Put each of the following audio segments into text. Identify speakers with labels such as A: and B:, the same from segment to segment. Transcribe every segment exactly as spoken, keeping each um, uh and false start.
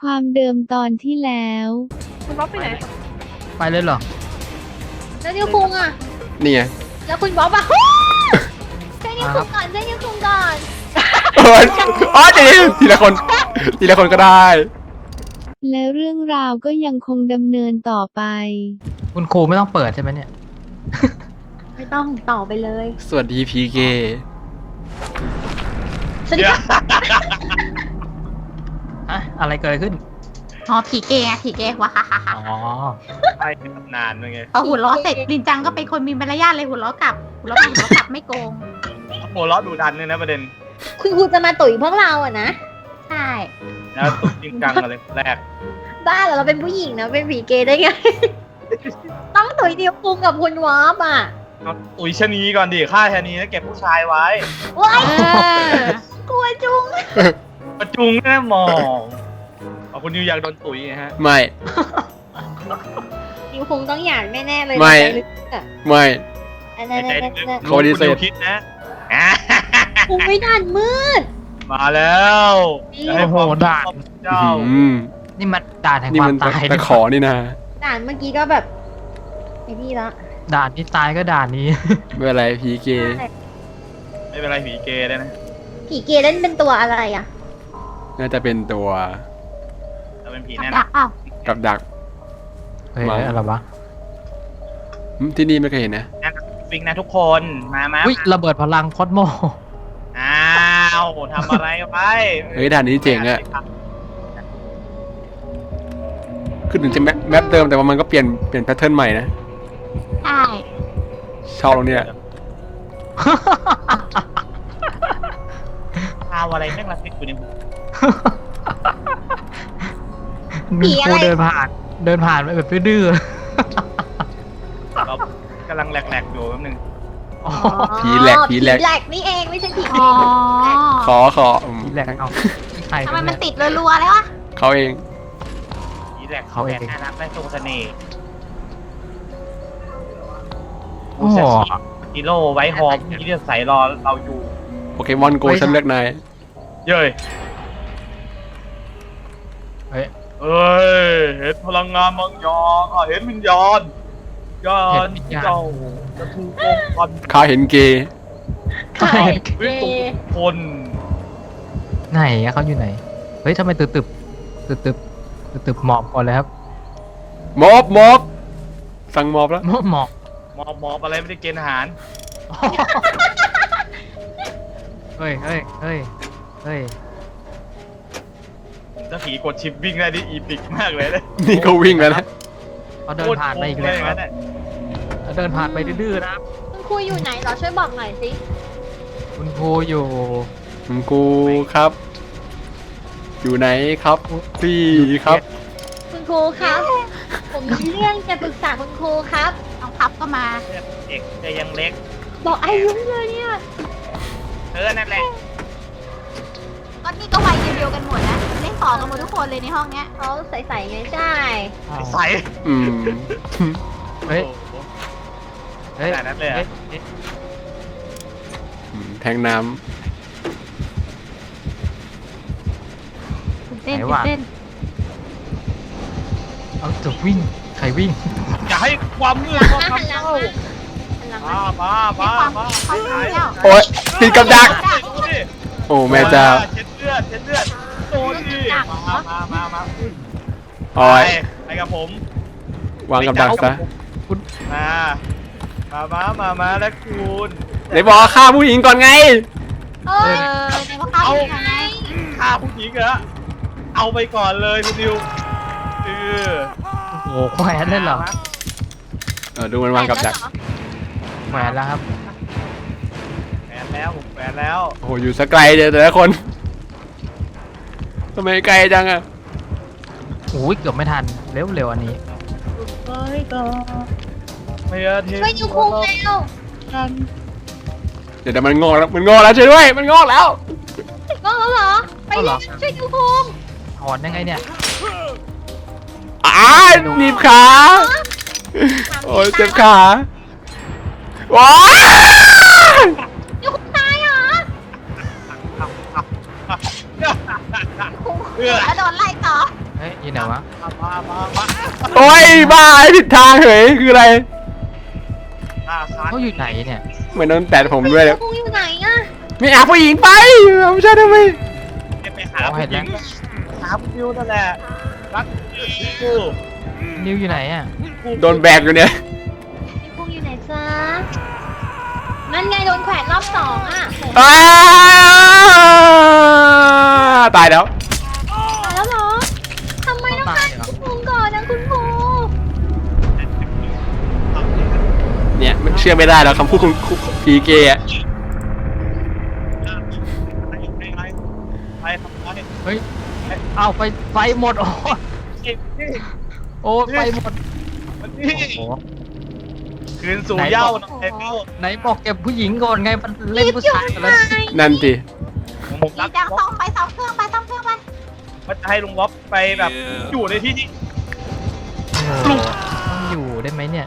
A: ความเดิมตอนที่แล้ว
B: คุณบ๊อบไปไหน
C: ไปเลยเหรอ
B: แล้วนิวคุงอ่ะ
D: นี่ไง
B: แล้วคุณบ๊อบอ่ะใช่นิวคุงก่อนใช่นิวคุงก่อน
D: โอ้ยอ๋อทีทีละคน ทีละคนก็ได้
A: และเรื่องราวก็ยังคงดำเนินต่อไป
C: คุณครูไม่ต้องเปิดใช่ไหมเนี่ย
B: ไม่ต้องต่อไปเลย
D: สวัสดีพีเก
B: สวัสดีค่ะ
C: อะอะไรเกิดขึ้น
E: อ๋อผีเกย์ไงผีเกย์วะฮ่าฮ่าฮ่า
C: อ๋อ
F: ไปเป็นตำนานเลยไง
E: พอหัวล้อเสร็จลินจังก็เป็นคนมีมารยาทเลยหัวล้อกลับหัวล้อกลับหัวล้อกลับไม่โกง
F: โหล้อดูดันเลยนะประเด็น
B: คุณครูจะมาตุ๋ยพวกเราอ่ะนะ
E: ใช่
F: แล้วตุกจริงจังอะไรแรก
B: บ้าเหรอเราเป็นผู้หญิงนะเป็นผีเกย์ได้ไง ต้องตุ๋ยนิวคุงกับคุณวอฟอ่ะ
F: เอาตุ๋ยชะนีก่อนดิฆ่าชะนีแล้วเก็บผู้ชายไว้
B: ว้าย
E: เออก
B: ลัวจุง
F: ประจุงแน่มองเอาคุณนิวอยากโดนตุ๋ยไงฮะ
D: ไม่
B: นิวคุงต้องอยากแน่ๆเลย
D: ไม่
B: ในใจลึกๆอะ
D: ไม่
B: อัน
F: ใน
B: นั้น
F: ใจ
B: อัน
F: ลึก
B: นั้น
F: ๆ
D: เขาปฏิเสธ
F: คุณนิวคิดนะอ่ะ
B: คุงไม่ดันมืด
F: มาแล้ว
B: นี่
F: จะให้ความ
C: โอ้โหด่าน
F: เจ้า
D: อืม
C: นี่มันด่านแห่ง
D: นี่
C: ควา
D: มั
C: ม
D: น
C: ตาย
D: ตะขอนี่นะ
B: ด่านเมื่อกี้ก็แบบไอ้นี่ละ
C: ด่านที่ตายก็ด่านนี้
D: ไม่เป็นไรพีเก
F: ไม่เป็นไรผีเกย์ได้นะ
B: ผีเกย์เล่นเป็นตัวอะไรอ่ะ
D: น่าจะเป็นตัว
F: เราเป็นผี
E: กับ
F: แน่
E: ดั
F: นะ
E: กเอ้า
D: กับดัก
C: เฮ้ย
D: มา
C: อะไรวะ
D: อืมที่นี่ไม่เคยเห็นนะ
F: แน่นะฟิกนะทุกคนมามา
C: อุ้ยระเบิดพลังคอสโม
F: อ้าวทำอะไรไว้
D: เฮ้ยด่านนี้เจ๋งอะคือถึงจะแมปแมปเดิมแต่ว่ามันก็เปลี่ยนเปลี่ยนแพทเทิร์นใหม่นะ
E: ใช่
D: ชอบตรงเนี้ย
F: ข่าวอะไรแม่งระทึกอยู่ในหู
C: หนึ่งครูเดินผ่าน เดินผ่านไปแบบดื้อ
F: เรากำลังแหลกๆอยู่แป๊บนึง
C: ๆอ๋อ
D: ผีแหลกผีแหลก
B: ผีแหลกนี่เองไม่ใช่ผีเก
E: อ๋อ
B: ย์
D: ขอขออืม
C: แหลกเอาใคร
E: ทำไม
C: วะ
E: มัน
C: เย
E: ติดรัวๆเลยวะ
D: เขาเอง
F: ผีแหลก
C: เขาเอง
F: แสนน่ารักและทรงเสน่ห์
C: โอ้โห
F: ฮีโร่ไว้ฮอมที่จะใส่รอเราอยู่
D: โปเกมอนโกฉันเลือกนาย
F: เย้ย
C: เฮ้ย
F: เอ้ยเห็นพลังงานบางอย่างอ่ะเห็นวิญญาณยาน
C: เห็นวิญญาณ
F: เจ้าจะถูกลงพัน
D: ข้าเห็นเกย์
B: ใช่เก
F: วิตุ
B: ย์
F: คน
C: ไหนอะเขาอยู่ไหน เฮ้ยทำไมตึบตึบตึบตึบตึบตึบหมอบก่อนเลยครับ
D: มอบมอบสั่งมอบแล้ว
C: หมอบหมอบ
F: มอบมอบอะไรไม่ได้เกณฑ์อาหาร
C: เฮ้ยเฮ้ยเฮ้ยเฮ้ย
F: ถ้าผีกดชิปวิ่งได้นี่อีพิกมากเลยนะ
D: นี่ก็วิ่งแล้วนะ
C: เขาเดินผ่านไปอีกแล้ว
F: โคตรโกงเย
C: ครับ
F: นะ
C: เขาเดินผ่านไปดื้อๆนะครับ
B: คุณครูอยู่ไหนเหรอช่วยบอกหน่อยสิ
C: คุณครูอยู่
D: คุณกูครับ อยู่ไหนครับพี่ครับ
B: คุณครูครับ ผมมีเรื่องจะปรึกษาคุณครูครับ
E: น้องพับก็มา
F: เด็กจะยังเล็ก
B: บอกอายุเลยเนี่ย
F: เออนั่นแหละ
E: ก็นี่ก็วัยเดียวๆกันหมดนะเล่นต่อกันหมดทุกคนเลยในห้องเนี้ย
B: เขาใส่ๆไงใช่
F: ใส่
D: อืม
C: เฮ้ย
F: โอ้โห
C: เฮ้ย
F: ขนาดนั้นเลยเหรอ
C: ฮ้ฮ้
D: อืมแทงน้
E: ตื่นเต้นตื่นเต้น
C: เอาจะวิ่ง ใครวิ่ง
F: อย่าให้ความมืด
B: หันห
F: เข้า
B: ลัง
F: มา
B: หันหลัง
F: เข้า
B: มาหันหลัง
F: มา
B: มา
F: มามามา
E: ให้ความให้ความเที่ยว
D: ำโอ๊ยติดกับดัก
F: ดูดิ
D: โอ้แม่เจ้า
F: เช็ดเลือดเช็ดเลือดโดนดิมามามามา
D: โอ้ย
F: ไปไปกับผม
D: วางกับดักซะ
F: มา มามามามาแล้วคุณ
D: ไหนบอกว่าฆ่าผู้หญิงก่อนไง
B: เอ้
E: เอย อในว่าเข้าอยู่ยังไง
F: ฆ่าผู้หญิงเหรอเอาไปก่อนเลยคุณดิวเออ
C: โอ้โหแขวนเลยเหรอ
D: เออดูมันวางกับดัก
C: แขวนแล้วครับ
F: แฝนแล้วผมแฝนแล้ว
D: โอ้โหอยู่สไกลเดียวแต่ละคนทำไมไกลจังอะ
C: โอ้ยเกือบไม่ทัน เร็วเร็วอันนี้
F: ไม่เอาที
B: ช่วยนิวคุงเร็ว
D: เดี๋ยวเดี๋ยวมันงอกแล้วมันงอกแล้วช่วยด้วยมันงอกแล้ว
B: ก็แล้วเหรอ ไป
C: เอาเหร
B: เร็
C: อ
B: วช่วยนิวคุง
C: ถอนยังไงเนี่ย
D: อ้าหนีบขา โอ้ยเจ็บขาว้า
B: นิวคุงตายเหรอ
F: เพื่อ
E: แล้วโดนไล่ต่อ
C: เฮ้
D: บ้าไอ้ผิดทางเหยคืออะไร
F: อ่าคาน
C: เขาอยู่ไหนเนี่ย
D: เหมือนโดนแตะผมด้วยเลย
B: พุงอยู่ไหนอะ
D: ไม่เอาผู้หญิงไปไม่ใช่ทำไม
F: ไปหาผู้หญิงหาผู้ยิวนั่นแหละรักกู
C: นิวอยู่ไหนอ่ะ
D: โดนแบกอยู่เนี่ย
B: พี่พุงอยู่ไหนจ๊ะนั่นไงโดนแขวนรอบสองอะ
D: อ้าตายแล้ว
B: ตายแล้วเหรอทำไมต้องฆ่าพี่พุงก่อนนะคุณครู
D: เนี่ยมันเชื่อไม่ได้แล้วคำพูดคุณพีเกอะ
F: ไปไปไปทำไม
C: เฮ้ยเอาไฟไฟหมดโอ้โอ้ไฟหมด
F: มัน
C: โอ้
F: นี่
C: โห
F: คืนสู่เหย้าน้องเอ็ม
C: ไหนบอกเก็บผู้หญิงก่อนไงมันเล่นผู้ชายกันแล้ว
D: นั่นสิ
F: ผม
E: ดี
F: รัก
E: จังซ่อมไปซ่อมเครื่องไปซ่อมเครื่องไป
F: มันจะให้ลุงล็อบไปแบบอยู่ในที่ที่
C: โอ้โหต้องอยู่ได้ไหมเนี่ย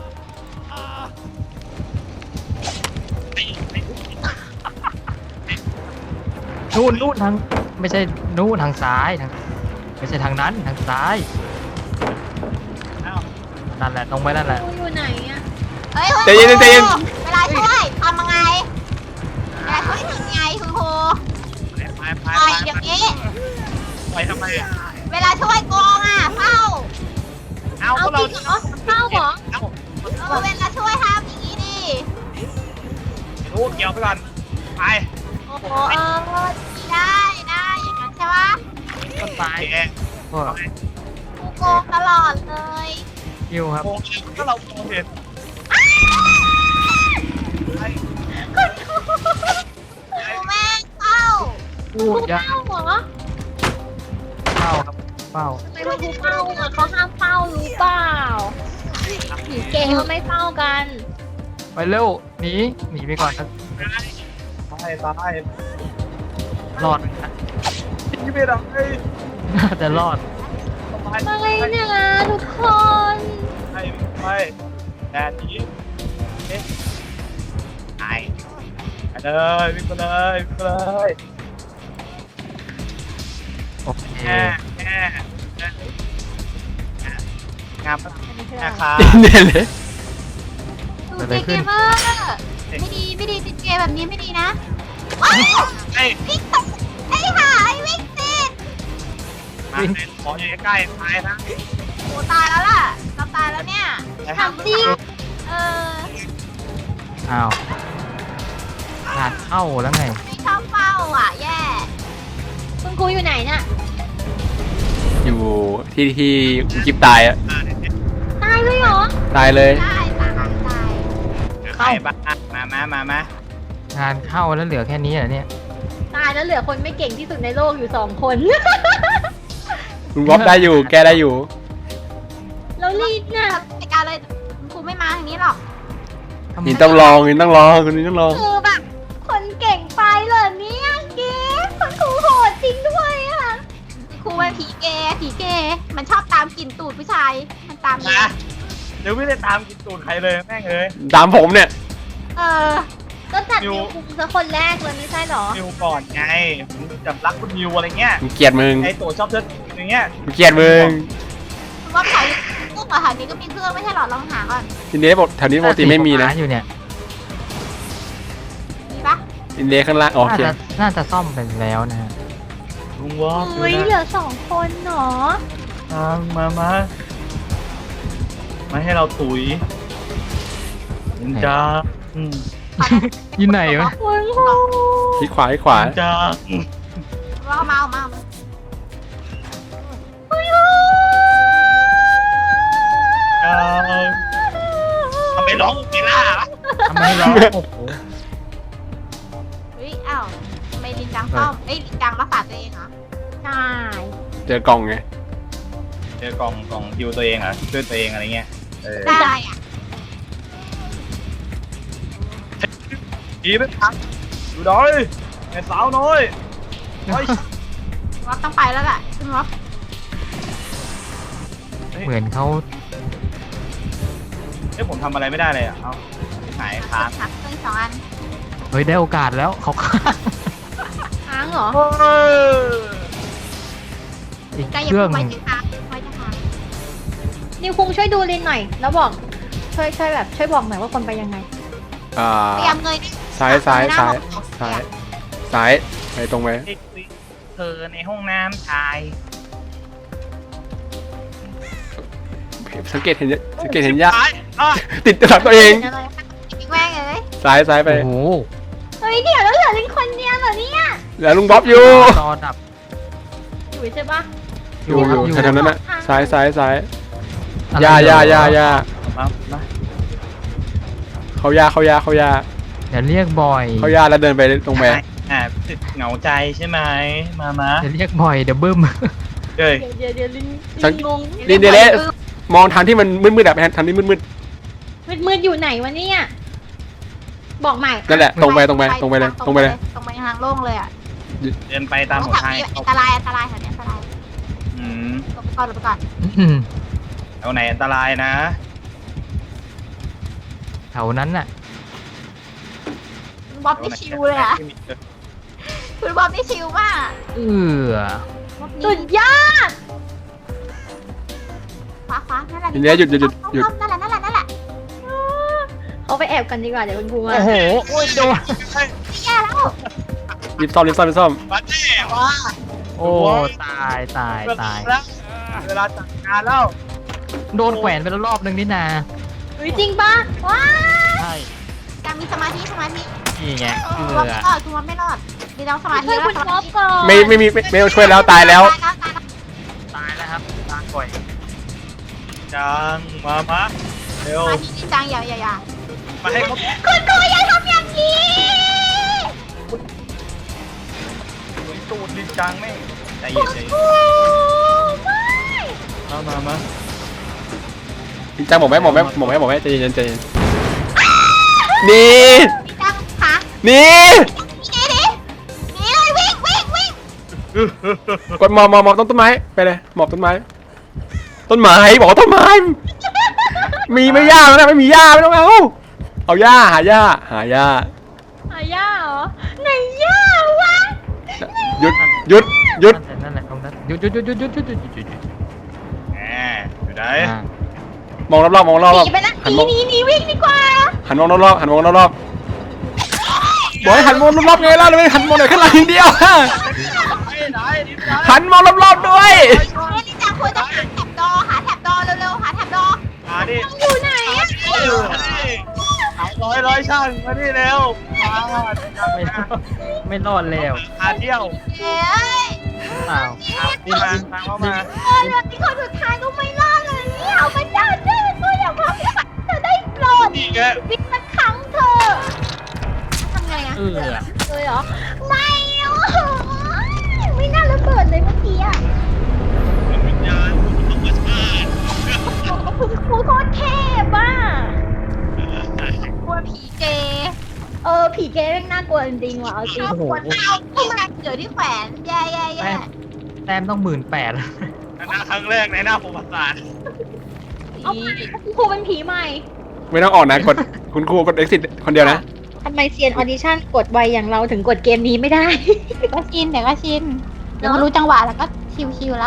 C: นู่นนู่นทางไม่ใช่นู่นทางซ้ายทางไม่ใช่ทางนั้นทางซ้าย
F: อ้าว
C: นั่นแหละตรงไปนั่นแหละ
B: พุงอยู่ไหนอะ
E: เฮ้ยคุณ
D: ใจเย็นใจเย็น
E: เวลาช่วยทำยังไงเวลาช่วยทำยังไงคุณครู
F: ไปไป
E: ปล่อย
F: ไป
E: อย่างนี้
F: ไปทำไมอ่ะ
E: เวลาช่วยโกงอ่ะเฝ้า
F: เอา
B: เอา
F: ก็
B: จ
F: เรา
B: ริงเหรอเข้าเหรอ
F: เอา
E: เออเวลาช่วยทำอย่างนี้ดิ
F: รู้เกี่ยวไปก่อนไป
E: โอ้โหเออได้ได้อย่างนั้นใช่ปะ
C: ต้นไม้
F: โอเค
C: ก็
E: กูโกงตลอดเลย
C: คิวครับ
F: โอ้ยถ้าเราโดนเห็นไป
E: กูแม่งเฝ้า
C: พูดยา
B: เข้าเหรอ
C: เฝ้าครับเฝ้า
B: ทำไมคุณครูเฝ้าอะเขาห้ามเฝ้ารู้เปล่าผีเกย์เขาไม่เฝ้ากัน
C: ไปเร็วหนีหนีไปก่อนครับ
F: ไปตาย
C: รอดนะ
F: ยิงไม่ได้
C: น่าจะรอด
F: ไป
B: ไปเนี่ยทุกคน
F: ไปไปแต่นี้เอ๊ะไปไปเลยวิ่งไปเลยวิ่งไปเลย
C: โอเค
F: แง่แง่งามนะครับ
D: เนี่ยเลย
E: ดูเกมเมอร์ไม่ดีไม่ดีติดเกมแบบนี้ไม่ดีนะว้าย
F: ไอ้
E: วิ่งติดไอ้ห่าไอ้วิ่งติด
F: มาเป็นขออยู่ใกล้ๆตายนะ
E: โอ้ตายแล้วล่ะเราตายแล้วเนี่ย
B: ทำจริง
E: เออ
C: อ้าวงานเข้าแล้วไง
E: ไม่ชอบเฝ้าอ่ะแย่
B: คุณครูอยู่ไหนน่ะ
D: อยู่ที่ที่คุณกิฟตายอะ
B: ตายเลยเหรอ
D: ตายเลย
E: ได้ตายตาย
F: ใครบ้างมามามามา
C: งานเข้าแล้วเหลือแค่นี้เหรอเนี่ย
B: ตายแล้วเหลือคนไม่เก่งที่สุดในโลกอยู่สองคน
D: ลุงบ๊อบได้อยู่ แกได้อยู่
B: แล้วลีดน่ะ
E: จัดการเลยครูไม่มาทางนี้หรอก
C: ทำไม
D: นี่ต้องลองนี่ต้องลองคนนี้ต้องลอง
B: คือแบบคนเก่งไปเหรอเนี่ยเกฟคุณครูโหดจริงด้วยอะ
E: ครูเป็นผีเกย์ผีเกย์มันชอบตามกลิ่นตูดผู้ชายมันตาม
F: มาเดี๋ยวไม่ได้ตามกินตูดใครเลยแม่งเลย
D: ตามผมเนี่ย
E: เออ
B: ก็จัด
F: นิ
B: นิ
F: ว
B: วคุงซะคนแรกเลยไม่ใช่เหรอ
F: นิวก่อนไงผมจับรักคุณนิวอะไรเงี้ย
D: กูเกลียดมึง
F: ไอตัวชอบเชิดอย่างเงี้ย
D: กูเกลียดมึง
E: คุณว่าแถวนี้เครื่องเหรอแถวนี้ก็มีเครื่องไม่ใช่เหรอลองหาก่อน
D: อินเดียบอกแถวนี้ปกติไม่มีนะ
C: อยู่เนี่ย
E: มีปะ
D: อินเดียข้างล่างโอ
C: น่า
D: เค
C: จะน่าจะซ่อมไปแล้วนะฮะ
F: ลุงวอล์ก
B: เฮ้ยเหลือสองคนเหรอ
F: มามามาให้เราตุยจ้าอืม
C: อยู่ไหนวะ
B: คุณครู
D: ที่ขวาที่ขวา
F: จ้า
E: ว่าเอามาเอามาเอามา
F: จ้าทำไมร้องไม่ล่ะ
C: ทำไมร้องโอ้โห
E: เฮ้ยอ้าวทำไมลินจังซ่อมเอ้ยลินจังรักษาตัวเองเหรอ
B: ใช่
D: เจอกล่องไง
F: เจอกล่องกล่องฮิวตัวเองอ่ะช่วยตัวเองอะไรเงี้ยเออ
E: ได้อ่ะ
F: ดีไหมครับดูดอยไอ้สาวน้อยไอ้
E: ว่าต้องไปแล้วแหละคุณว่า
C: เหมือนเขา
F: เอ้ยผมทำอะไรไม่ได้เลยอ่ะเอาหายค้าง
E: หักเครื่องสองอัน
C: เฮ้ยได้โอกาสแล้วเขาข้าง
B: ค้างเหรอ
C: อีก
E: ใกล้
C: เค
E: อย่า
C: รื่อง
E: เพิ่งไว้จะค้างไว้จะค้าง
B: นิวคุงช่วยดูลินหน่อย แล้วบอกช่วยช่วยแบบช่วยบอกหน่อยว่าคนไปยังไง
D: อ่า
E: พยายามเงย
D: ซ้ายซ้ายซ้าย
E: หน้
D: ซ้าย
E: มอง
D: ซ้ายไปตรงไป
F: เด็กเธอในห้องน้ำชาย
D: สังเกตเห็นสังเกตเห็นยาก
F: ซ้ายอ่ะ
D: ติดหลังตัวเอง
E: อะไรอีกแม่งเลย
D: ซ้ายซ้ายไป
C: โอ้โห
B: เฮ้ยเดี๋ยวแล้วเหลือลินคนเดียวเหรอเนี่ย
D: แล้วลุงบ๊อบอยู่
C: จอดับ
B: อยู่ใช่ปะ
D: อยู่อยู่
C: อยู่
D: แถวๆนั้นน่ะซ้ายซ้ายซ้าย
C: อะไร
D: ยา
C: เหร
D: ยา
C: อ
D: ยายา
F: มามา
D: เขายาเขายาเขายา
C: อย่าเรียกบ่อย
D: เขายาแล้วเดินไปตรงไป
F: อ่าติดเหงาใจใช่ไหมมามา
C: อย่าเรียกบ่อยเดี๋ยวบึ้ม
F: เฮ้ย
B: เดี๋ยวเดี๋ยวเดี๋ยวลิน
D: สั
B: ลิ
D: ง
B: นงง
D: ลินเดเลสมองทางที่มันมืดๆอะไปทางที่มืด
B: มืดมืดอยู่ไหนวะเนี่ยบอกใหม่
D: ๆนั่นแหละตรงไปตรงไปตรงไปเลยตรงไปเลย
E: ตรงไปทางโล่งเลยอ่ะ
F: เดินไปตามหน
E: แถว
F: ทาง
E: นี้อันตรายอันตรายแถวนี้อันตราย
F: อืม
E: ลงไปก่อนลงไปก่อน
C: อืม
F: แถวไหนอันตรายนะ
C: แถวนั้นน่ะ
E: คุณบ๊อบนี่ชิวเลยอ่ะคุณบ๊อบนี่ชิวมาก
C: เออ
B: สุดยอด
E: ฟ้าฟ้านั่นแหละ
D: ลินเดเลสหยุดหยุดหยุดหยุด
E: นั่นแหละนั่นแหละนั่นแหละ
B: เอาไปแอบกันดีกว่าเดี๋ยวคุณครูมา
C: โอ้โหโอ้ยโดน
E: แย่แล้ว
D: รีบซ่อมรีบซ่อมรีบซ่อม
F: มาเจ้ว่า
C: โอ้ตายตายตาย
F: แล้วเวลาจัดงานแล้ว
C: โดนแขวนไปแล้วรอบนึงนี่นา
B: เฮ้ยจริงปะว้า
C: ใช่
E: การมีสมาธิสมาธิ
C: นี่ไงเอ
E: คุณบ๊อบ
C: อ
E: ไม่รอดคุณบ๊อบไม่รอดมีต้องสมาธิ
B: ช่วย
E: แล้ว
B: คุณ
E: ส
B: บ๊
E: มา
B: อบ
E: ธิ
B: ก่อน
D: ไม่ไม่มีไม่ไม่ต้องช่วยแล้วตายแล้ว
E: ตายแล้วตายแล้ว
C: ตายแล้วครับตายบ่อย
F: จังมามาเร็ว
E: สมาธิจริงจังอย่าอย่าอย่า
F: มาให้เขา
B: คุณครูอย่าทำอย่างนี้
F: ตูดลินจังแม่งใจเย็นใจเย็น
B: โอ้ไม่
F: มามามา
D: จริงจังบอกไหมบอกไหมบอกไหมบอกไหมใจเย็นใจเย็นนี่
E: จริงจังค่ะ
D: นี่
E: หนีดิหนีเลยวิ่งวิ่งวิ่ง
D: กดหมอบหมอบหมอบต้นต้นไม้ไปเลยหมอบต้นไม้ ต้นไม้บอกว่าต้นไม้ มีไม่ยากนะไม่มีหญ้าไม่ต้องเอาเอาหญ้าหาหญ้าหาหญ้า
B: หายาเหรอไหนย่าวะ
D: หยุดหยุดหยุด
C: นั่นแหละตรงนั้นหยุดหยุดหยุดหยุดหยุดหยุดหยุดหยุดหยุดหยุด
F: แหมอยู่ไหน
C: อ่าม
D: องรอบๆมองรอบ
B: หนีไปนะห
D: หัน
B: นี
D: มอง
B: หนีหนีวิ่งดีกว่า
D: หันมองรอบๆหันมองรอบๆบอกให้หันมองรอบๆไงล่ะเลยหันมองหน่อยข้างหลังอย่างเดียว
F: ไหนลินจัง
D: หันมองรอบๆด้วย
E: เฮ้ยจริงจังควรจะหาแถบดอหาแถบดอเร็วๆหาแถบดอ
F: มาดิ
B: อยู่ไหนอะ
F: ร้อยร้อยช่างมาดิเร็วมา
C: ไม่รอดไม่รอดแล้ว
F: พาเที่ยว
E: เอ้ย
C: เปล่า
F: ดินมาตามเข้ามา
B: เออเรื่องที่คนสุดท้ายก็ไม่รอดเลยเนี่ยเอามาจ้าเจ้ก็อย่าพักเธอได้โปรด
F: นี่แก
B: วิตสักครั้งเธอ
E: ทำไงอะ
C: เออ
B: เลยเหรอไม่โอ้โหไม่น่าระเบิดเลยเมื่อกี้อะ
F: วิญญาณธรรมชาติ
B: คุณครูโคตรเทพอ่ะ
E: กลัวผีเกย์
B: เออผีเกย์แม่งน่ากลัวจริงๆว่ะเอาจริง
E: เอาขวดเอาที่มันเกิดที่แขวนแย่แย่แย่
C: แต้มแต้มต้องหมื่นแปด
F: หน้าครั้งแรกในหน้าประวัติศาสตร์
B: เอาคุณครูเป็นผีใหม่
D: ไม่ต้องออกนะกดคุณครูกด exit คนเดียวนะ
B: ทำไมเซียนออดิชั่นกดไวอย่างเราถึงกดเกมนี้ไม่ได้
E: ก็ชินเดี๋ยวก็ชินเดี๋ยวก็รู้จังหวะแล้วก็ชิวๆแล้ว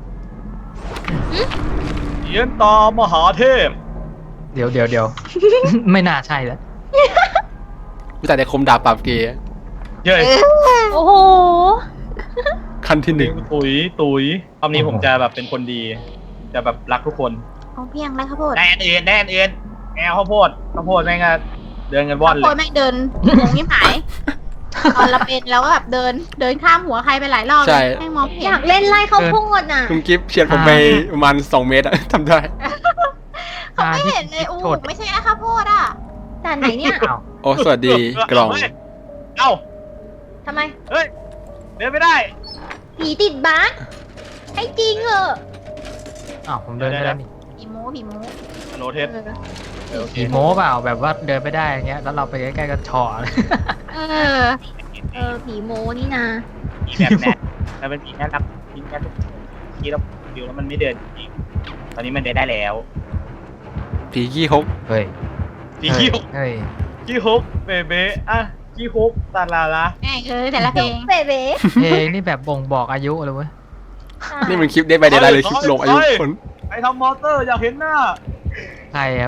F: เยียนตามหาเทพ
C: เดี๋ยวเดี๋ยวเดี๋ยว ไม่น่าใช่แล้ว
D: รู้จักแต่คมดาบปราบเกย์
F: เย้ย
B: โอ้โห
D: ขั้นที่หนึ่ง
F: ตุยตุยรอบนี้ผมจะแบบเป็นคนดี จะแบบรักทุกคน
E: เอาเพียงไรข้าวโพด
F: แน่นอื่นแน่นอื่นแนวข้าวโพดข้าวโพดแม่งก็เดินกันว่อนเล
E: ข้าวโพด
F: ย
E: แม่งเดินงงยิ่งหายตอนเราเป็นแล้วก็แบบเดินเดินข้ามหัวใครไปหลายรอบเลยแม่งมองไม่
B: อ
E: เห็น
B: ยากเล่นไล่ข้าวโพดน่ะ
D: คุณกิฟต์เฉียดผมไปประมาณสองเมตรอะ ทำได้
E: เขาไม่เห็นเลยอู้ไม่ใช่นะข้าวโพดอ่ะ
B: แต่ไหนเนี่ย
C: อ้าว
D: โอ้สวัสดีกล่อง
F: เอ้า
B: ทำไม
F: เฮ้ยเดินไม่ได้
B: ผีติดบั๊กให้จริงเหอะ
C: อ้าวผมเดินไปแล้วนี่
E: ผีโม้ผีโม้
F: โนเทสโอเค
C: ผีโม้เปล่าแบบว่าเดินไปได้อย่างเงี้ยแล้วเราไปใกล้ๆก็เฉาะเลย
E: เออ
B: เออผีโมนี่นะ
F: ผีแบบแน่แล้วเป็นผีแน่รับผีแน่ทุกทีแล้วดิวแล้วมันไม่เดินจริงตอนนี้มันเดินได้แล้ว
D: ผีขี้ฮก
C: เฮ้ย
F: ผีขี้หก
C: เฮ้ย
F: ขี้ฮกเบเบ้อะขี้ฮกตาลาละ
E: แม่งเออแต่ละเพลง
B: เบเบ้
C: เพลงนี่แบบบ่งบอกอายุเลยเว้ย
D: นี่มันคลิปได้ไปเดย์ไลน์เลยคลิปลงอายุคน
F: ใครทำมอเตอร์อยากเห็นหน้า
C: ใครครับ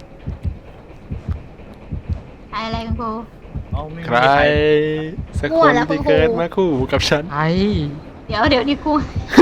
E: ใครอะไรคุณครู
F: เอาไม่มี
D: ใครสักคนที่เกิดมาคู่กับฉัน
C: ไอ้
E: เดี๋ยวเดี๋ยวนี่ครู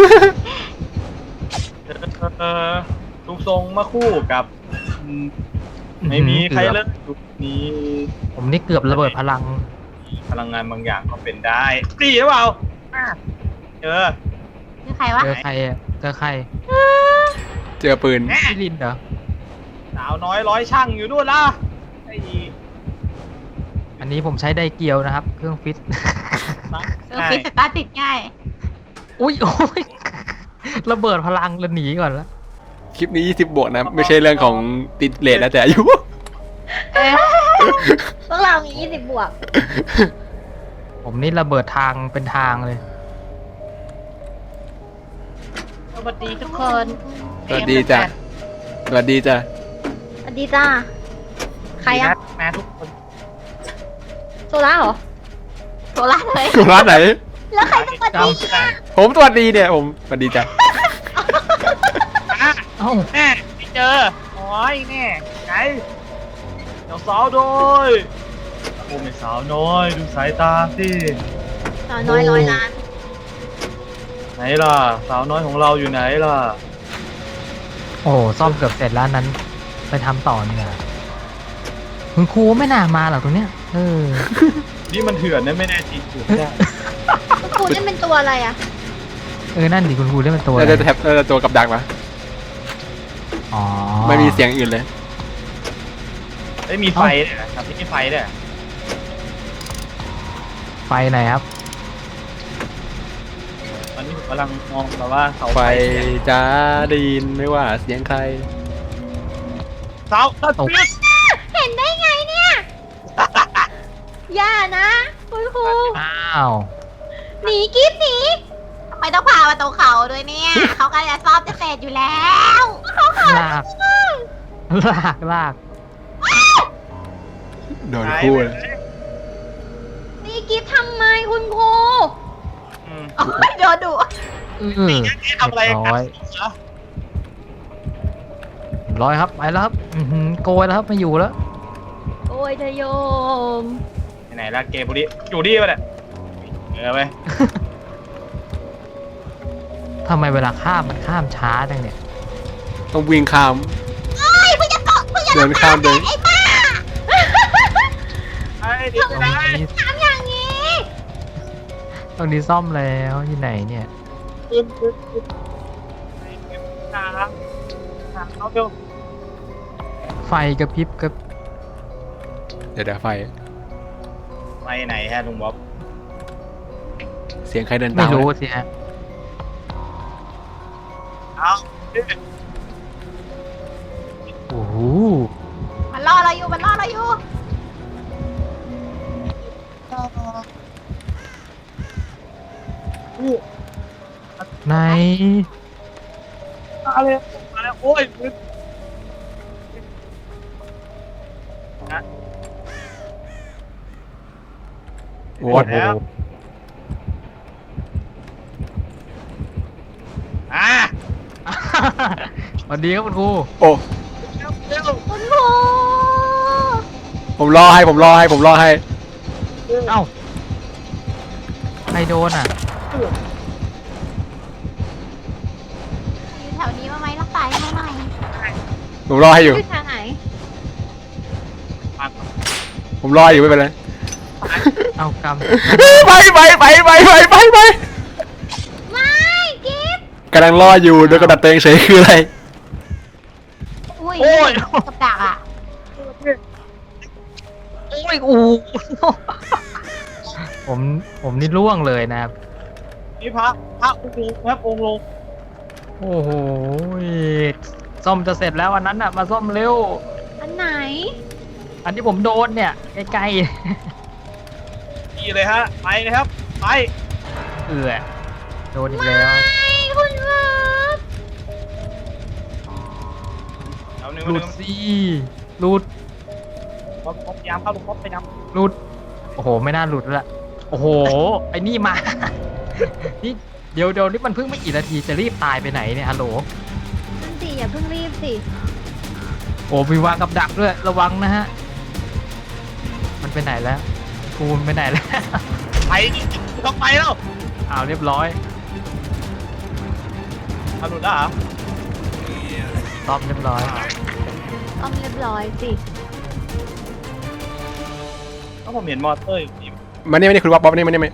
F: เออลูกทรงมาคู่กับอืมไม่มีใครเลยยุคนี้
C: ผมนี่เกือบระเบิดพลัง
F: พลังงานบางอย่างก็เป็นได้ปรีหรือเปล่าอ่ะเจอ
E: คือใครวะ
C: เจอใครอะเจอใคร
D: เจอปืน
F: แม่
C: พี่ลินเหรอ
F: สาวน้อยร้อยช่างอยู่ด้วยล่ะไอ้
C: อันนี้ผมใช้ไดเกียวนะครับ เครื่องฟิต
E: เออฟิตสตาร์ทติดง่าย
C: อุ้ยโอ้ยระเบิดพลังแล้วหนีก่อนละ
D: คลิปนี้ยี่สิบบวกนะ ไม่ใช่เรื่องของติดเลทนะแต่อายุ
B: เออพวกเรามียี่สิบบวก
C: ผมนี่ระเบิดทางเป็นทางเลย
E: สวัสดีทุกคน
D: สวัสดีจ้ะ สวัสดีจ้ะ
B: สวัสดีจ้า ใครอะ
F: แม่ทุกคน
B: โซล่าเหรอ
E: โซล่าเลย
D: ร้านไหน
B: แล้วใครจะสวัสดีอะ
D: ผมสวัสดีเนี่ย ผมสวัสดีจ้ะ
F: อ่ะ
C: เอ้า
F: แม่ไม่เจอโอ้ยแม่ไงเดี๋ยวสาวน้อยโอ้ไม่สาวน้อยดูสายตาสิ
B: สาวน้อยร้อยล้าน
F: ไหนล่ะ สาวน้อยของเราอยู่ไหนล่ะ
C: โอ้โหซ่อมเกือบเสร็จแล้วนั้น ไปทำต่อเนี่ยคุณครูไม่น่ามาหรอกตรงเนี้ย เออ
F: นี่มันเถื่อนนะไม่แน่จริงถูกได้
B: คุณครูนี่เป็นตัวอะไรอะ
C: เออ นั่นดิคุณครูได้เป็นตัว
D: น่า
C: อะไร
D: จะแท็บน่าจะตัวกับดักปะ
C: อ๋อ
D: ไม่มีเสียงอื่นเลย
F: ไม่มีไฟเนี่ยครับที่มีไฟเนี่ย
C: ไฟไหนครับ
F: ตอนนี้ผมกำลังมองแบบว่าเสา
D: ไฟ
F: ไฟเนี่ย
D: จ้าได้ยินไม่ว่าเสียงใคร
F: เสาเสา
C: ตก
F: ปิด
B: เห็นได้ไงเนี่ย อย่านะ คุณครู
C: อ้าว
B: หนีกิ๊บหนี
E: ทำไมต้องพามาตรงเขาด้วยเนี่ย เขากำลังจะซ่อมจะเสร็จอยู่แล้ว
C: ลาก ลาก ลาก
D: โดนคู่เลย
B: หนีกิ๊บทำไมคุณครู
F: อืม
E: โอ้ยโดนดุ
C: อือ
F: นี่ทำอะไร
C: เรียบ
F: กั
C: ร้อย
F: นเหรอ
C: ร้อยครับ ไปแล้วครับ อือหือโกยแล้วครับไม่อยู่แล้ว
B: โอ้ยเธอโยม
F: ไปไหนละเกมพวกนี้อยู่ดีป่ะเนี่ยเออไป
C: ทำไมเวลาข้ามมันข้ามช้าจังเนี่ย
D: ต้องวิ่งข้าม
E: เฮ้ยเพิ่งจะตกเพิ่งจะ
D: เดินข้ามเดิน
E: ไอ้บ้า
F: ไอ้ดีไปไหน
B: ทำอย่างนี้
C: ตรงนี้ซ่อมแล้วอยู่ไหนเนี่ย
F: ขึ้นขึ้นขึ้นหาหาเอาเร็ว
C: ไฟกระพริบกระ
D: เดี๋ยวเดี๋ยวไฟ
F: ไปไหนฮะลุงบ๊อบ
D: เสียงใครเดิน
C: ไม่
D: ตาม
C: รู้สิฮะ
F: เอา
C: โอ้โห
E: มันล่อเราอยู่ มันล่อเราอยู่
C: ไหน
F: มาเลยมาแล้วโอ้ยมึงนะ
D: โอ้
C: โอ้
D: โห
C: โห
F: อ่ะ
C: สวัสดีครับคุณครู
D: โอ้
F: เร็วเร็ว
B: คุณครู
D: ผมรอให้ผมรอให้ผมรอให้
C: เอ้า ใครโดนอ่ะ
E: อยู่แถวนี้มาไหมรักษาให้หน่อย
D: ผมรอให้อยู่
B: อยู่ทางไหน
D: ผมรออยู่ไม่เป็นไร
C: เอากำ
D: ไปไปไปไปไปไปไป
B: ไม่กิ๊บ
D: กำลังรออยู่โดยกระดับตัวเองเฉยคืออะไร
E: อุ้ย
F: โอ้ย
E: กับดักอ่ะ
C: โอ้ยอูผม ผมนี่ล่วงเลยนะครับ
F: นี่พระพระองค์ลงครับองค์ลง
C: โอ้โหซ่อมจะเสร็จแล้วอันนั้นอ่ะ มาซ่อมเร็ว
B: อันไหน
C: อันที่ผมโดนเนี่ย ใกล้
F: ดีเลยฮะไปเลยครับไป
C: ๆ เอือโดนอีกแล้ว
B: ไม่คุณครับ
F: เอาหนึ่ง
C: หลุ
F: ห
C: ด
F: นึ่ง
C: สิหลุด
F: บ๊อบบ๊อบพยายามเข้าลุงบ๊อบพยายาม
C: หลุด โอ้โห ไม่น่าหลุดแล้วล่ะโอ้โห ไอ้นี่มา นี่เดี๋ยวเดี๋ยวนี่มันเพิ่งไม่กี่นาทีจะรีบตายไปไหนเนี่ยฮัลโหล
B: นั่นสิอย่าเพิ่งรีบสิ
C: โอ้มีวางกับดักด้วยระวังนะฮะมันไปไหนแล้วคูณไปไหนแล้ว
F: ไปต้องไปแล้ว
C: อ้าวเรียบร้อย
F: เอาหลุดแล้วเหรอ
C: ซ่อมเรียบร้อย
B: อ้อมเรียบร้อยสิ
F: ก็ผมเห็นมอเตอร์อยู่นี่
D: มานี่มานี่คุณบ๊อบบ๊อบมานี่มานี่มานี่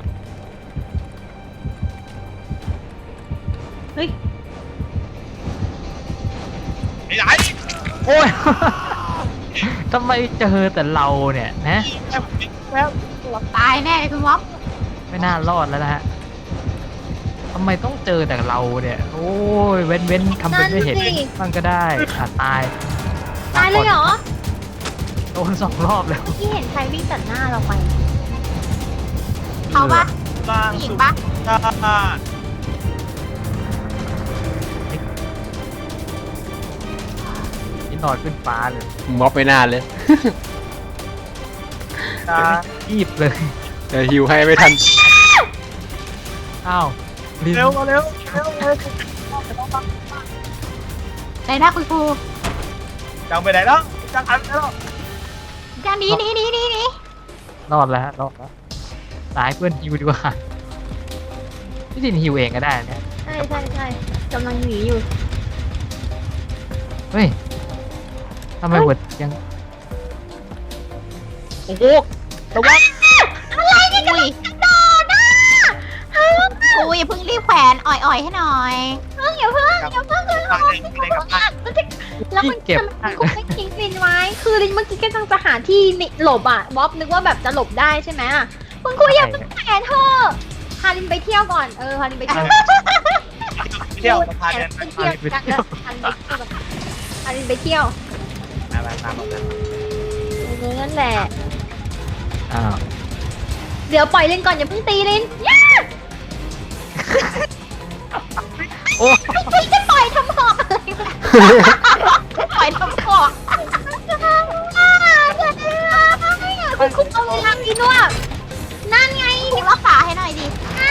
B: เฮ้ย
F: ไอ้ไหน
C: โอ้ย ทำไมเจอแต่เราเนี่ยนะ
F: แล้ว
E: ตายแน่เลยคุณวอฟ
C: ไม่น่ารอดแล้วนะฮะทำไมต้องเจอแต่เราเนี่ย โอ้ยเว้นเว้นทำเป็นไม่เห็น
B: นั่นสิ
C: บ้างก็ได้อ่ะตาย
B: ตายเลยเหรอ
C: โดนสองรอบแล้ว
B: เมื่อกี้เห็นใครวิ่งตัดหน้าเราไป
E: เขาปะ
F: ล่าง
E: ผู้หญิง
F: สุด
E: ปะ
F: จ้า
C: นี่นอนขึ้นฟ้าเลย
D: บ๊อบไม่น่าเลย
F: จ้า
C: รีบเลย
D: เดี๋ยวฮิวให้ไม่ทัน
C: อ้าวลิน
F: เร็วมาเร็วเร็วเร็ว
E: ไหนนะคุณครู
F: จังไปไหนแล้วจังหันไปแล้ว
E: จังหนีหนีหนีหนีหนี
C: รอดแล้วฮะรอดแล้วตายเพื่อนฮิวดีกว่าพี่ลินฮิวเองก็ได้เนี่ย
B: ใช่ใช่ใช่กำลังหนีอยู่
C: เฮ้ยทำไมหัวยัง
F: โอ้โหระวัง
E: อะไรเนี่ยกระโดดอ่ะครูอย่าเพิ่งรีบแขวนอ่อยๆให้หน่อย
B: เพิ่งอย่าเพิ่งอย่าเพิ่งคือ
F: ตายเลยเลยกับตาย
B: แล้วมันทำไมคุณไม่ทิ้งลินไว้ คือลินเมื่อกี้ก็ต้องจะหาที่หลบอ่ะบ๊อบนึกว่าแบบจะหลบได้ใช่ไหมอะคุณครูอย่าเพิ่งแขวนเธอะพาลินไปเที่ยวก่อน เออ พาลินไปเที่ยว
F: เที่ยวมาพาเดิน
B: ไปเที่ยวกันเออพาลินไปเที่ยวกันพาลินไปเที่ยว
F: มามาตามมา
B: เออนั่นแหละ
C: อ้าว
B: เดี๋ยวปล่อยลินก่อนอย่าเพิ่งตีลินย่า
C: โอ้
B: ไม่จะปล่อยทำหอกอะไรวะ
E: ปล่อยทำก่อน
B: คุณคุณเอาเวลากินด้วยนั่นไง
E: ครูรักษาให้หน่อยดิ
B: อ่ะ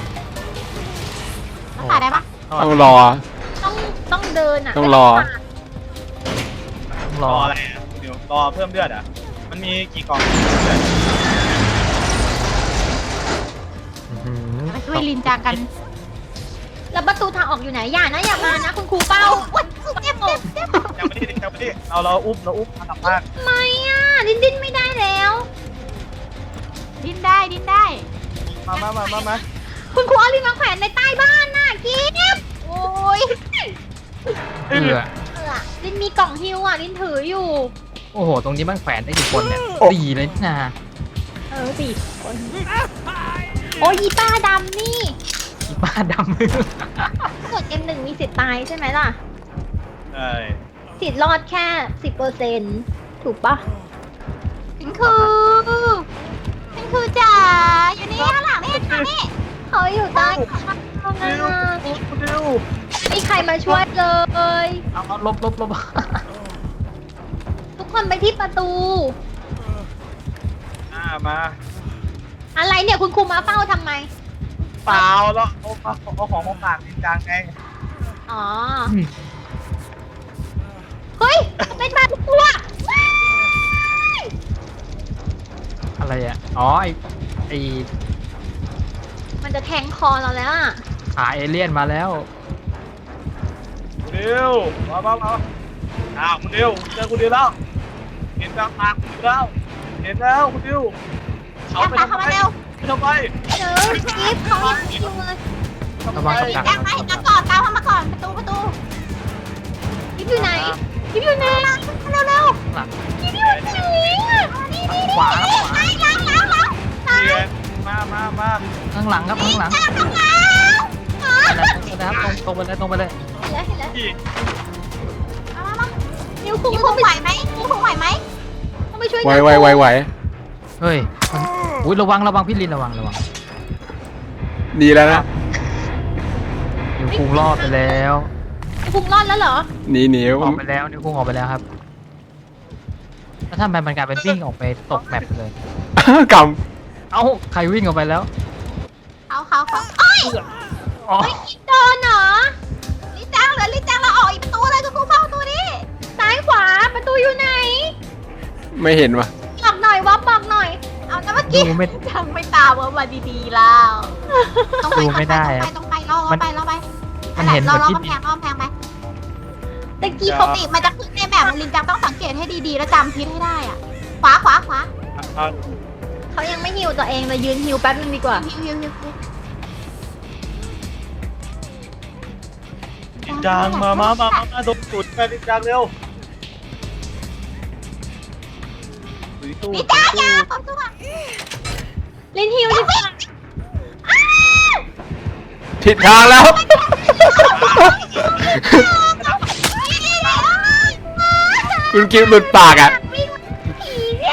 E: รักษาได้ปะ
D: ต้องรอ
B: ต้องต้องเดินอ่ะ
D: ต้องรอ
C: ต้อง
F: ร
C: ร
F: อ
C: อ
F: อะไรอ่ะเดี๋ยวรอเพิ่มเลือดอ่ะมันมีกี่กล่องเลือด
C: อื้อหือ
E: มาช่วยลินจางกัน
B: แล้วประตูทางออกอยู่ไหนอย่านะอย่ามานะคุณครูเป้า
E: อุ๊ยเจ็บเจ็บเจ็บ
F: ยังไม่ได้ยังไม่ได้เราเราอุ้มเราอุ้มมากลับบ้าน
B: ทำไมอ่ะดิ้นดิ้นไม่ได้แล้ว
E: ดิ้นได้ดิ้นได้
F: มามามามามา
B: คุณครูเอาลินมาแขวนในใต้บ้านน่ะกิ๊บ
E: โอ้ย
C: เอือ
B: เออลินมีกล่องฮิวอ่ะลินถืออยู่
C: โอ้โห ตรงนี้มันแขวนได้กี่คนเนี่ย
D: โอ้
C: สี่เลยนี่นา
B: เออสี่คนโอ้ยอีป้าดำนี่
C: อีป้าดำ
B: กดเอ็มหนึ่งมีสิทธิ์ตายใช่ไหมล่ะ
F: ใช่
B: สิทธิ์รอดแค่สิบเปอร์เซ็นถูกปะ
E: ฉันคือฉันคือจ๋าอยู่นี่ข้างหลังนี่ข้างนี่
B: เขาอยู่ใต้
F: เร็วเร็ว
B: ไม่มีใครมาช่วยเลย
C: เอาเอาลบลบลบ
B: ทุกคนไปที่ประตู
F: อ่ามา
B: อะไรเนี่ยคุณครูมาเฝ้าทำไม
F: เปล่าแล้วเอาเอาเอาของมาฝากจริงจังไง
B: อ๋อ เฮ้ยเป็นบาดตัวว้าย
C: อะไรอ่ะ อ๋อ ไอไอ
B: มันจะแทงคอเราแล้วอ่ะ
C: ขาเอเลี่ยนมาแล้ว
F: คุณดิวมามามาอ้าวคุณดิวเจอคุณดิวแล้วเห็นกลางทางคุณดิวแล้วเห็นแล้วคุณดิวเขา
E: แอบ
F: ไป
E: ตาม
F: ทำ
E: เข้า
F: ไม
E: มาเร็ว
F: ไปทำไม
B: เจอกิฟต์เขายังไม่อยู่เลย
C: ระวังกับดัก
E: แอบไปตามก่อนตามเข้ามาก่อนประตูประตู
B: กิฟต์อยู่ไหนกิฟต์อยู่ไหน
E: เร็วเร็ว
C: หลัง
B: กิฟต์อยู่ไหนอะนี่นี่
C: ขวาครับขวา
E: หลังหลังหลัง
F: เรียนมามามา
C: ข้างหลังครับข้างหลัง
E: หลังหลัง
C: นะครับตรงตรงไปเลยตรงไปเลย
B: เห็นแล้วเห็นแล้ว
F: พี่
E: มามามา
B: นิ้วคุง
E: นิ้ว
B: ต้
E: คุ
B: อง
E: ง
B: ไป
E: ไหวไหมนิ้วคุงไหวไหม
B: ต้องไปช่วย
D: ไหวไหวไหวไหว
C: เฮ้ยมันอุ้ยระวังระวังพี่ลินระวังระวัง
D: ดีแล้วนะ
C: นิ้วคุงรอดไปแล้ว
B: นิ้วคุงรอดแล้วเหรอ
D: หนีหนี
C: ออกไปแล้วนิ้วคุงออกไปแล้วครับแล้วทำไมมันกลายเป็นวิ่งออกไปตกแมปเลย
D: ก
C: เอ้าใครวิ่งออกไปแล้ว
E: เขาเขาเขาเอ้ย
C: อ๋อ
B: โดนเหรอ
E: ลิจังเหลือลิจังเราออกอีกประตูเลยคุณครู
B: ขวาประตูอยู่ไหน
D: ไม่เห็นว่ะ
B: บอกหน่อยวอฟบอกหน่อย
E: เอาแล้วเมื่อกี้
C: ดูไม่
E: ยังไม่ตามว่ามาดีๆแล้วต้องไป
C: ดูไม่ได้
E: ต้องไป
C: อะ
E: ต้องไปล่อ
C: มัน
E: ไปล่อไป
C: มันเห็น
E: ล่อ
C: แบบ
E: ล่อ
C: ที่
E: กำแพงล่อกำแพงไป
B: ตะกี้
E: ป
B: เขา
E: กติมันจะขึ้นในแบบลินจังต้องสังเกตให้ดีๆ แล้วจำทิศให้ได้อ่ะ ขวาขวาขวา
F: เอา
B: เขายังไม่ฮิวตัวเองเลยยืนฮิวแป๊บนึงดีกว่า
E: ฮิวฮิวฮิวฮิว
F: จริงจังมามามามามาตรงจุดไปจริงจังเร็วตู้ตู้
E: นี่จ้าอย่าความสุข
B: ลินฮิวดิค่ะ
D: ผิดทางแล้ว คุณกิฟหลุดปากอ่ะ
B: วิ่งผีเนี่ย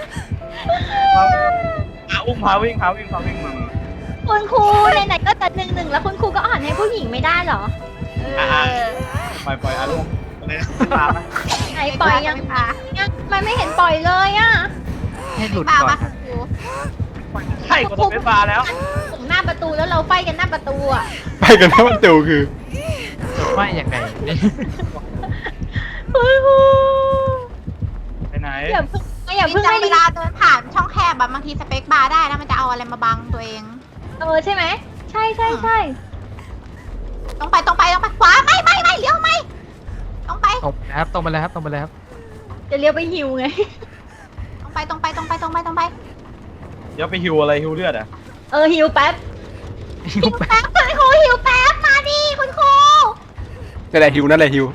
F: หาอุ้มพาวิ่งพาวิ่งพาวิ่งมา
B: คุณครูไหนๆก็จะหนึ่งหนึ่งแล้วคุณครูก็อ่อนให้ผู้หญิงไม่ได้เหรอ
E: เออ
F: ปล่อยปล่อยอารมณ์เลยตามไหม
B: ไหนปล่อยยัง
E: ไม่พา
B: ยังมันไม่เห็นปล่อยเลยอ่ะ
C: ให้หลุด
E: พา
C: ก่อ
E: มาน คุณครู
F: ใช่ก็ต้องเป็นบาร์แล้ว
B: ถึงหน้าประตูแล้วเราไฟกันหน้าประตูอ่ะ
D: ไปกันนะมันเตียวคือ
C: ไม่ยังไงนี่
B: คุณครู
F: ไปไหน
B: อย่าเพิ่งอย่า
E: ลิ
B: เพิ่
E: น
B: ง
E: จัง
B: ให้
E: เว
B: ลิน
E: ลาเดินผ่านช่องแคบแบบบางทีสเปคบาร์ได้นะมันจะเอาอะไรมาบังตัวเอง
B: เออใช่ไหมใช่ใช่ใช่
E: ต้องไปต้องไปต้องไปขวาไม่ไม่ไม่เลี้ยวไม่ต้องไป
C: ตรงไปครับตรงไปเลยครับตรงไปเลยครับ
B: จะเลี้ยวไปฮิวไง
E: ต้องไปต้องไปต้องไปต้องไปต้องไป
F: เดี๋ยวไปฮิวอะไรฮิวเลือดอ่ะ
B: เออฮิวแป๊บ
C: หิวไป
B: แป๊บคุณครูฮิวแป๊บมาดิคุณครู
D: นั่นแหละฮิวนั่นแหละฮิว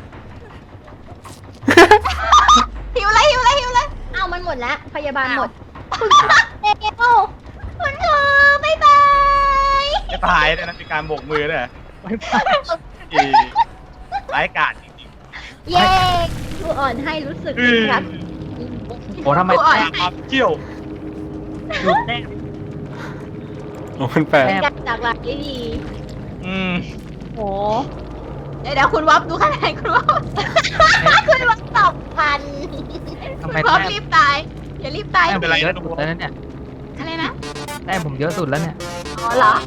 E: หิวเลยหิวเลยหิวเลย
B: เอามันหมดแล้วพยาบาลหมด
E: อ้าว
B: คุณครูเอวคุณครูบ๊ายบาย
F: จะตายเลยนะมีการโบกมือด้วยอีร้ายกาจจริง
B: เย้ครูอ่อนให้รู้สึก
F: ๆอื
B: ดี
F: ม
B: ครับ
C: โอ้ทำไม
E: ครูอ่อน
F: ความเกี่ยว
C: ดูแต้ม
D: โอ้มันแปลก
C: แต้ม
B: จากจากหลักได้ดี
F: อืม
B: โอ้
E: เดี๋ยวเดี๋ยวคุณวับดูคะแนนคุณวับ
B: คุณวัดสองพัน
C: ทำ
E: คุ
C: ไม
E: ณวับ
C: แต้ม
E: รีบตายอย่ารีบตาย
C: แต้มผมเยอะสุดแล้วนะเนี่ย
E: อะไรนะ
C: แต้มผมเยอะสุดแล้วเนี่ย
E: อ๋อเหรอ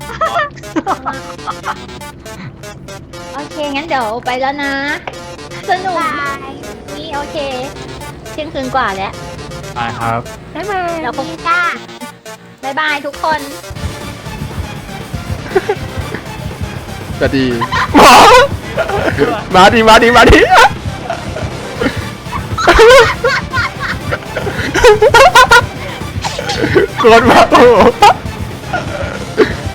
B: โอเค งั้นเดี๋ยวไปแล้วนะ สนุก
E: บาม
B: าก
E: ย
B: นี่โอเคเที่ยงคืนกว่าแล้ว
C: ไปครับ
E: บ๊ายบาย
B: เดี๋ยวพบ
E: จ้า
B: บายบายทุกคน
D: จะดีหมอมาดีมาดีมาดีโคตรมาโอ้